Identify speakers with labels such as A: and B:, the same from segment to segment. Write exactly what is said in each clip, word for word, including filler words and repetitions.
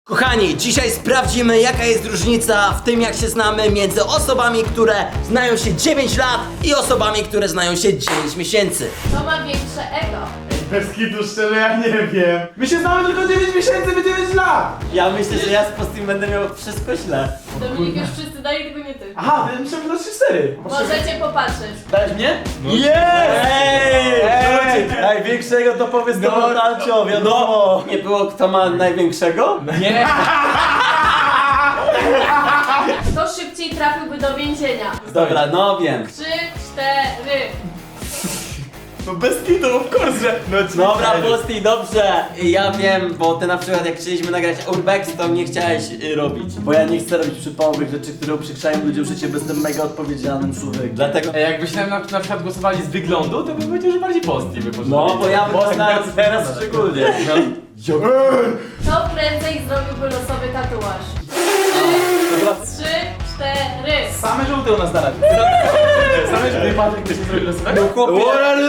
A: Kochani, dzisiaj sprawdzimy, jaka jest różnica w tym, jak się znamy między osobami, które znają się dziewięć lat i osobami, które znają się dziewięć miesięcy.
B: Kto ma większe ego?
C: Bez kitu szczerze, ja nie wiem. My się znamy tylko dziewięć miesięcy, wy dziewięć lat!
A: Ja myślę, że ja z Postim będę miał wszystko źle.
B: Dominik już wszyscy dali, tylko nie ty.
C: Aha, ja myślałem, że to trzy cztery.
B: Możecie popatrzeć.
C: Dałeś mnie?
A: Jest! Ej!
C: Ej!
A: Największego to powiedz
C: No,
A: do Mortalcio, wiadomo. Nie było kto ma największego?
C: Nie!
B: Kto szybciej trafiłby do więzienia?
A: Dobra, no wiem.
B: Trzy, cztery.
C: No bez kitu, of course, że... No,
A: Dobra, Posti, dobrze. Ja wiem, bo ty na przykład jak chcieliśmy nagrać Urbex, to nie chciałeś y, robić. Bo ja nie chcę robić przypałowych rzeczy, które uprzykrzają ludziom życie, bo jestem mega odpowiedzialnym człowiekiem. Dlatego...
D: Ej, Jakbyście na, na przykład głosowali z wyglądu, to bym powiedział, że bardziej Posti by poszedł.
A: No, bo ja teraz, teraz szczególnie.
B: Kto prędzej zrobiłby losowy tatuaż? Trzy, trzy, cztery.
C: Same żółte u nas na razie. Same żółte.
D: Patryk, ktoś nie zrobił losowego?
A: No chłopie,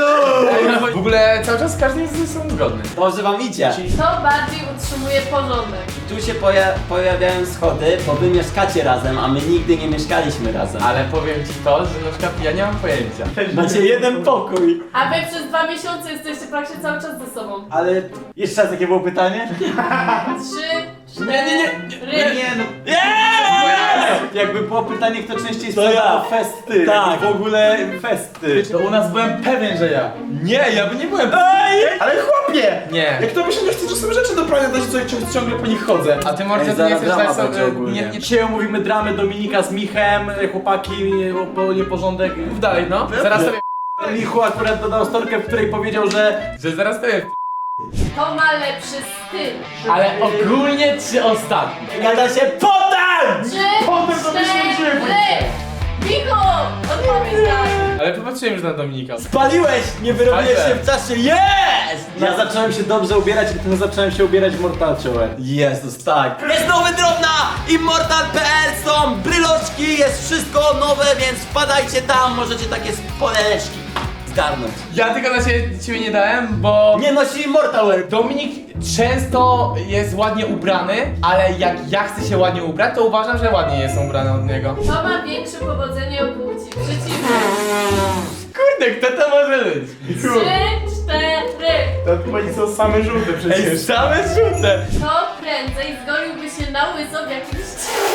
D: W ogóle cały czas każdy jest ze sobą zgodny.
A: dobrze wam idzie.
B: Kto bardziej utrzymuje porządek?
A: Tu się poja pojawiają schody, bo wy mieszkacie razem, a my nigdy nie mieszkaliśmy razem.
D: Ale powiem ci to, że na przykład ja nie mam pojęcia.
A: Macie jeden pokój.
B: A wy przez dwa miesiące jesteście praktycznie cały czas ze sobą.
A: Ale jeszcze raz, jakie było pytanie?
B: Trzy, cztery.
D: Nie, nie, nie,
B: nie,
C: Nie, no.
A: Jakby było pytanie, kto częściej
C: To ja.
A: sprzedawał festy.
C: Tak.
A: W ogóle festy.
C: To u nas byłem pewien, że ja.
D: Nie, ja by nie byłem.
C: Ale chłopie!
D: Nie.
C: Jak to myślę, że chcesz czasem rzeczy do prania dać, co ciągle, ciągle po nich chodzę.
D: A ty może
A: Ej,
D: nie
A: zaraz
D: chcesz
A: drama
D: dać
A: będzie
D: sobie...
A: ogólnie.
D: Nie, nie,
C: Dzisiaj omówimy dramy Dominika z Michem, chłopaki, nie- nieporządek.
D: mów dalej, no. Zaraz sobie...
C: Michu akurat dodał storkę, w której powiedział, że...
D: Że zaraz sobie...
B: Kto ma lepszy styl?
D: Ale ogólnie czy ostatni?
A: Gada się potem!
B: Trzy,
C: Potem to myślałem, że-
B: cztery. Micho, odpowiedz tak.
D: Ale popatrzyłem już na Dominika.
A: Spaliłeś! Nie wyrobiłeś się
D: Spaliłem.
A: w czasie. Jest!
C: Ja zacząłem się dobrze ubierać, i potem zacząłem się ubierać w Mortalciołę.
A: Jezus, tak. Jest nowy drop na immortal kropka p l, są bryloczki, jest wszystko nowe, więc wpadajcie tam, możecie takie spoleczki zgarnąć.
D: Ja tylko na ciebie, ciebie nie dałem, bo...
A: Nie nosi Immortal Wear.
D: Dominik często jest ładnie ubrany, ale jak ja chcę się ładnie ubrać, to uważam, że ładnie jestem ubrany od niego.
B: Kto ma większe powodzenie u płci? Przeciwnie.
D: Kurde, kto to może być?
B: Trzy, cztery.
C: To chyba nie są same żółte przecież.
D: same żółte!
B: Kto prędzej zgoliłby się na łyso w jakimś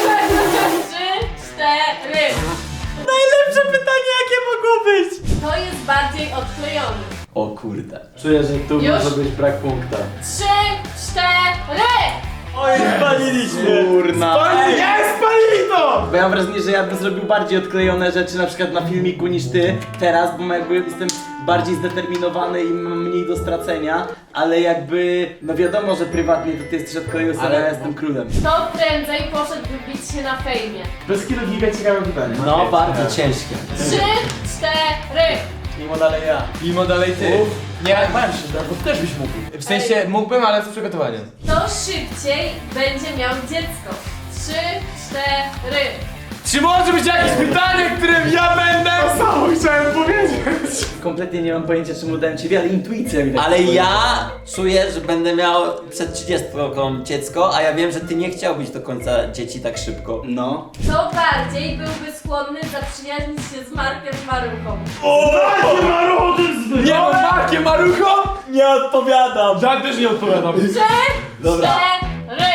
B: Trzy, cztery.
A: Najlepsze pytanie, jakie mogło być.
B: Kto jest bardziej odklejony?
A: O kurde.
C: Czuję, że tu
B: Już?
C: może być brak punkta.
B: Trzy, cztery.
A: Oj, spaliliśmy.
C: Kurna.
D: Ej,
C: Nie, spalili to! Bo ja mam wrażenie, że ja bym zrobił bardziej odklejone rzeczy, na przykład na filmiku niż ty teraz, bo jakby jestem bardziej zdeterminowany i mam mniej do stracenia, ale jakby, no wiadomo, że prywatnie to ty jesteś odklejony, ale
D: Ale-
C: ja jestem królem.
B: Kto prędzej poszedłby bić się na fejmie?
C: Bez kilu giga ciekawe pytanie.
A: No, bardzo ciężkie.
B: Trzy, cztery.
C: Mimo dalej ja.
D: Mimo dalej ty.
C: Uf.
D: Nie,
C: Bałem się, bo ty też byś mógł.
D: w sensie mógłbym, ale z przygotowaniem.
B: Kto szybciej będzie miał dziecko? Trzy, cztery.
D: Czy może być jakieś pytanie, którym ja będę?
C: samo chciałem powiedzieć. Kompletnie nie mam pojęcia, czemu dałem ciebie, ale intuicja mi tak
A: Ale
C: powiedziała.
A: ja czuję, że będę miał przed trzydziestką dziecko, a ja wiem, że ty nie chciałbyś do końca dzieci tak szybko.
C: No.
B: Kto bardziej byłby skłonny zaprzyjaźnić się z Markiem Maruchą?
D: Nie, no Markie Marucho?
A: Nie odpowiadam.
D: Ja też nie odpowiadam.
B: Trzy,
A: Dobra.
B: cztery.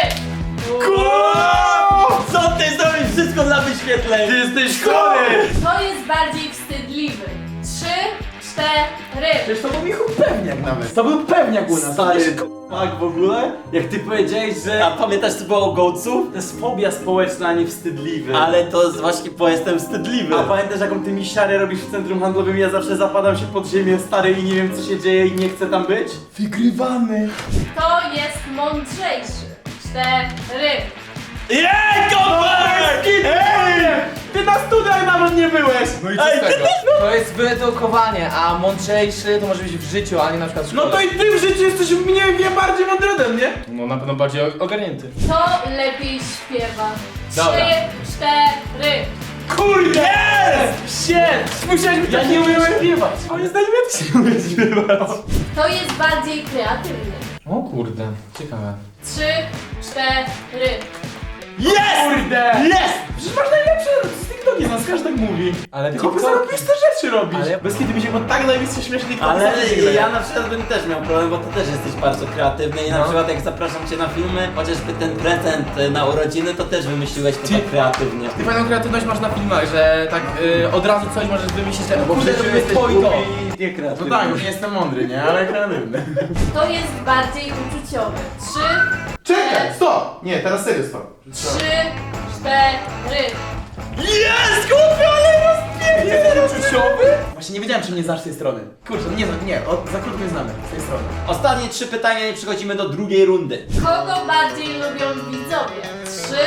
A: Co ty zrobisz wszystko dla wyświetleń?
C: Ty jesteś chory!
B: Kto jest bardziej wstydliwy? Trzy, cztery.
C: Przecież to był Michu pewniak nawet. To był pewniak u nas.
A: Stary, tak w ogóle?
C: Jak ty powiedziałeś, że
A: A pamiętasz co było o gołców?
C: to jest fobia społeczna, a nie wstydliwy.
A: Ale to jest właśnie, bo jestem wstydliwy.
C: A pamiętasz, jaką ty mi siarę robisz w centrum handlowym? Ja zawsze zapadam się pod ziemię, stary, i nie wiem, co się dzieje i nie chcę tam być? Wygrywamy.
B: Kto jest mądrzejszy? Cztery.
A: Jej, Kowal!
C: Ej! Ty na studiach nawet nie byłeś!
D: No i co z tego? To jest wyedukowanie, a mądrzejszy to może być w życiu, a nie na przykład w
C: No
D: szkole.
C: to i ty w życiu jesteś mniej, nie bardziej mądry ode mnie.
D: No na pewno bardziej ogarnięty.
B: Kto lepiej śpiewa?
D: Dobra.
B: Trzy, cztery.
C: Kurde! Yes! Shit! Musiałeś mi ja nie umiem śpiewać.
D: Moim zdaniem ja też nie umiem śpiewać.
B: Kto jest bardziej kreatywny?
D: O kurde, ciekawe.
B: Trzy, cztery.
C: Jest!
D: Kurde!
C: Jest!
D: Przecież masz najlepsze z TikToki, nas każdy tak mówi. Ale
C: Ty
D: tylko
C: TikToki.
D: zarobiste rzeczy robisz.
C: Ale-
D: Bez kiedy mi się, bo tak najbliższe śmieszne TikToki
A: Ale
D: zawsze nie
A: ja
D: grają.
A: na przykład bym też miał problem, bo ty też jesteś bardzo kreatywny i na
D: No.
A: przykład jak zapraszam cię na filmy, chociażby ten prezent y, na urodziny, to też wymyśliłeś to
D: Ty-
A: tak kreatywnie.
D: Ty fajną kreatywność masz na filmach, że tak y, od razu coś możesz wymyślić, że
C: Bo
D: kurde,
C: przecież
D: robimy
C: jesteś
D: to i to.
C: głupi i niekreatywny.
D: No tak, już nie jestem mądry, nie? Ale kreatywny.
B: Kto jest bardziej uczuciowy? Trzy,
E: Czekaj, stop! Nie, teraz serio stop.
B: trzy, cztery.
D: Jest! Głupio, ale rozpięknie! Jest uczuciowy? Właśnie nie wiedziałem, czy mnie znasz z tej strony. Kurczę, nie, nie, od, za krótko mnie znamy z tej strony.
A: Ostatnie trzy pytania i przechodzimy do drugiej rundy.
B: Kogo bardziej lubią widzowie? Trzy,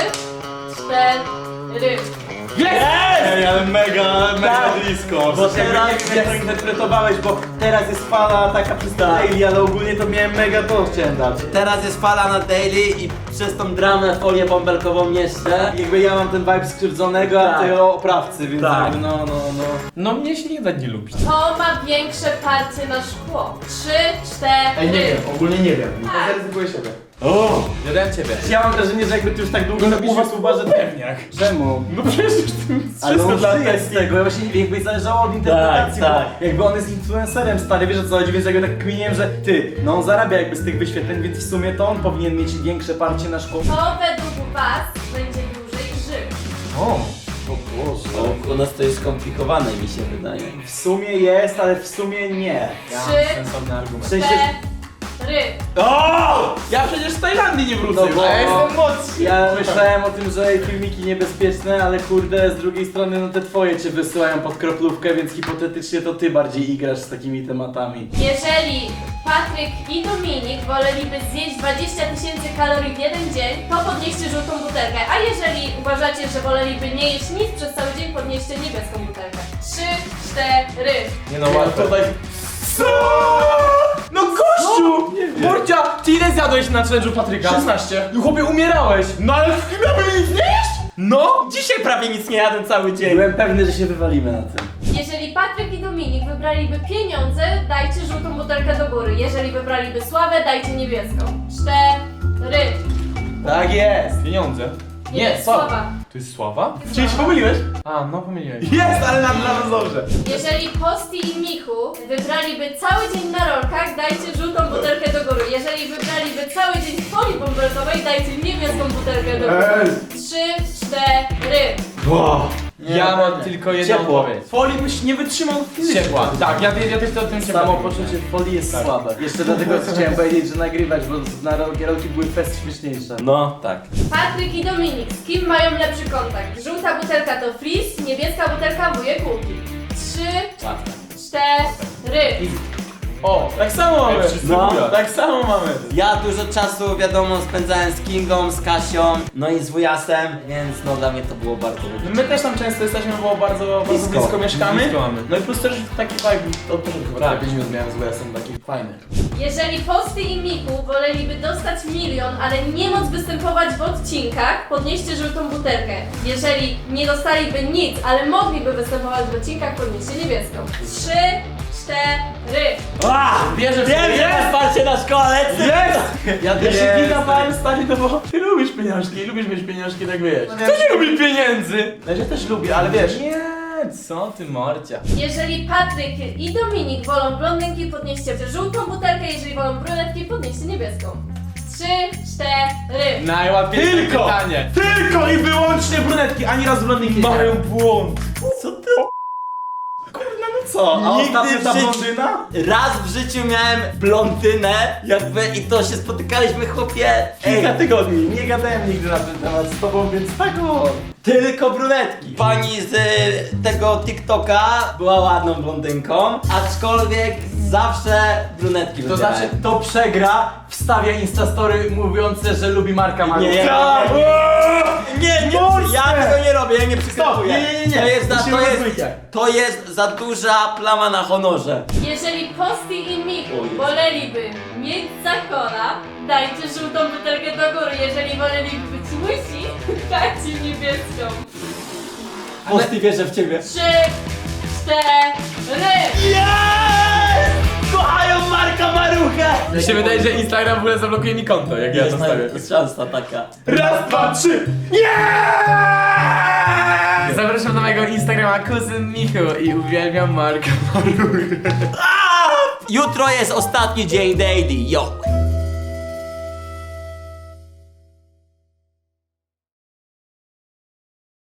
B: cztery.
C: Ej, ale mega, mega blisko. Bo teraz nie wiem jak to interpretowałeś, bo teraz jest fala taka przez daily, ale ogólnie to miałem mega to chciałem dać.
A: Teraz jest fala na daily i przez tą dramę folię bąbelkową jeszcze.
C: Jakby ja mam ten vibe skrzywdzonego, a
A: Tak.
C: ty oprawcy, więc
A: Tak.
C: jakby no, no, no.
D: No mnie się nie da nie lubić.
B: Kto ma większe parcie na szkło? Trzy, cztery.
D: Ej, nie wiem, ogólnie nie wiem.
B: Tak.
D: To zaryzykuję siebie.
C: O!
D: Ja dałem ciebie.
C: Ja mam wrażenie, że jakby ty już tak długo robisz YouTube'a, że
D: pewniak.
C: Czemu?
D: No przecież tym
C: Ale on żyje z tego, ja właśnie jakby zależało od interpretacji,
A: Tak,
C: bo
A: tak.
C: jakby on jest influencerem stary, wiesz o co chodzi, więc jakby tak kminiłem, że ty, no on zarabia jakby z tych wyświetleń, więc w sumie to on powinien mieć większe parcie na szkło.
B: Kto według was będzie dłużej żył?
D: O.
A: O, u nas to jest skomplikowane, mi się wydaje.
C: W sumie jest, ale w sumie nie.
D: Ja mam
B: Trzy,
D: sensowny argument.
C: W sensie...
B: cztery.
C: O!
D: Ja przecież z Tajlandii nie wrócę,
C: No
D: już,
C: bo-
D: a ja jestem młodszy.
C: Ja myślałem o tym, że filmiki niebezpieczne, ale kurde, z drugiej strony no te twoje cię wysyłają pod kroplówkę, więc hipotetycznie to ty bardziej igrasz z takimi tematami.
B: Jeżeli Patryk i Dominik woleliby zjeść dwadzieścia tysięcy kalorii w jeden dzień, to podnieście żółtą butelkę. A jeżeli uważacie, że woleliby nie jeść nic przez cały dzień, podnieście niebieską butelkę. Trzy, cztery.
D: Nie no, łatwo. Tutaj... Co? No gościu! Borcia, ty ile zjadłeś na challenge'u Patryka? szesnaście. No chłopie, umierałeś. No ale miałbym nic nie jeść? No!
A: Dzisiaj prawie nic nie jadłem cały dzień.
C: Byłem pewny, że się wywalimy na tym.
B: Jeżeli Patryk i Dominik wybraliby pieniądze, dajcie żółtą butelkę do góry. Jeżeli wybraliby sławę, dajcie niebieską. Cztery.
C: Tak jest!
D: Pieniądze.
B: Nie, sława.
D: To jest sława? Czyli się pomyliłeś? A, no pomyliłeś. Jest, ale na dla nas dobrze.
B: Jeżeli Posti i Michu wybraliby cały dzień na rolkach, dajcie żółtą butelkę do góry. Jeżeli wybraliby cały dzień w folii bąbelkowej, dajcie niebieską butelkę do góry. Trzy, cztery.
C: Wow.
D: Ja mam tylko jedną
C: Ciepło.
D: odpowiedź. Folii byś nie wytrzymał fizycznie. Ciepła. Tak, ja, ja też to o tym się
C: Samo
D: bawię.
C: poczucie w folii jest
D: Tak.
C: słabe. Jeszcze dlatego chciałem powiedzieć, że nagrywać, bo na rolki rolki były fest śmieszniejsze.
A: No, tak.
B: Patryk i Dominik, z kim mają lepszy kontakt? Żółta butelka to Fris, niebieska butelka wujek Łuki. Trzy,
A: Łatwe.
B: cztery.
D: O, tak samo mamy.
A: No.
D: Tak samo mamy.
A: Ja dużo czasu, wiadomo, spędzałem z Kingą, z Kasią, no i z wujasem, więc no dla mnie to było bardzo
D: No
A: dobre.
D: my też tam często jesteśmy, bo bardzo bardzo blisko,
A: Blisko.
D: mieszkamy.
A: Blisko mamy.
D: No i plus też taki vibe od początku chyba
A: Tak.
D: pięć minut miałem z jestem taki fajny.
B: Jeżeli Posty i Michu woleliby dostać milion, ale nie móc występować w odcinkach, podnieście żółtą butelkę. Jeżeli nie dostaliby nic, ale mogliby występować w odcinkach, podnieście niebieską. Trzy, cztery.
D: Wierzę w
A: Wiem, że masz parcie na szkole!
D: Jest! Ja też się nie dawałem stanie, no bo ty lubisz pieniążki i lubisz mieć pieniążki, tak wiesz. Kto nie lubi pieniędzy? No ja też lubię, ale wiesz. Nie, co ty morcia.
B: Jeżeli Patryk i Dominik wolą blondynki, podnieście żółtą butelkę, jeżeli wolą brunetki, podnieście niebieską. Trzy, cztery.
D: Najłatwiejsze
E: Tylko!
D: pytanie.
E: Tylko i wyłącznie brunetki, ani raz blondynki.
D: Mają błąd.
A: Co ty?
C: Co? A
A: Nigdy
C: ostatnio ta
A: w życiu-
C: blondyna?
A: Raz w życiu miałem blondynę, jakby i to się spotykaliśmy, chłopie,
C: Kilka
A: ej,
C: tygodni. Nie gadałem nigdy na ten temat z tobą, więc tak o.
A: tylko brunetki. Pani z y, tego TikToka była ładną blondynką, aczkolwiek zawsze brunetki
C: To
A: wybierałem.
C: znaczy, to przegra, wstawia instastory mówiące, że lubi Marka Marucha.
A: Nie,
C: Tak.
A: nie, nie, nie, ja tego nie robię, ja nie przykrywuję.
C: nie, nie, nie.
A: To jest, za,
C: Musimy
A: to, jest,
C: odwrócić.
A: to jest za duża plama na honorze.
B: Jeżeli Posty i Michu
A: O Jezu.
B: woleliby mieć zakona, dajcie żółtą butelkę do góry. Jeżeli woleliby być łysi, dajcie niebieską.
A: Posty wierzę w ciebie.
B: Trzy, cztery.
A: Jest! Kochają Marka Marucha! mogę!
D: Mi się wydaje, że Instagram w ogóle zablokuje mi konto, jak ja to
A: Jest,
D: stawię.
A: jest szansa taka.
E: Raz, dwa, trzy.
D: Zapraszam na mojego Instagrama kuzyn Michu i uwielbiam Marka Maruchę.
A: Jutro jest ostatni dzień daily, yo!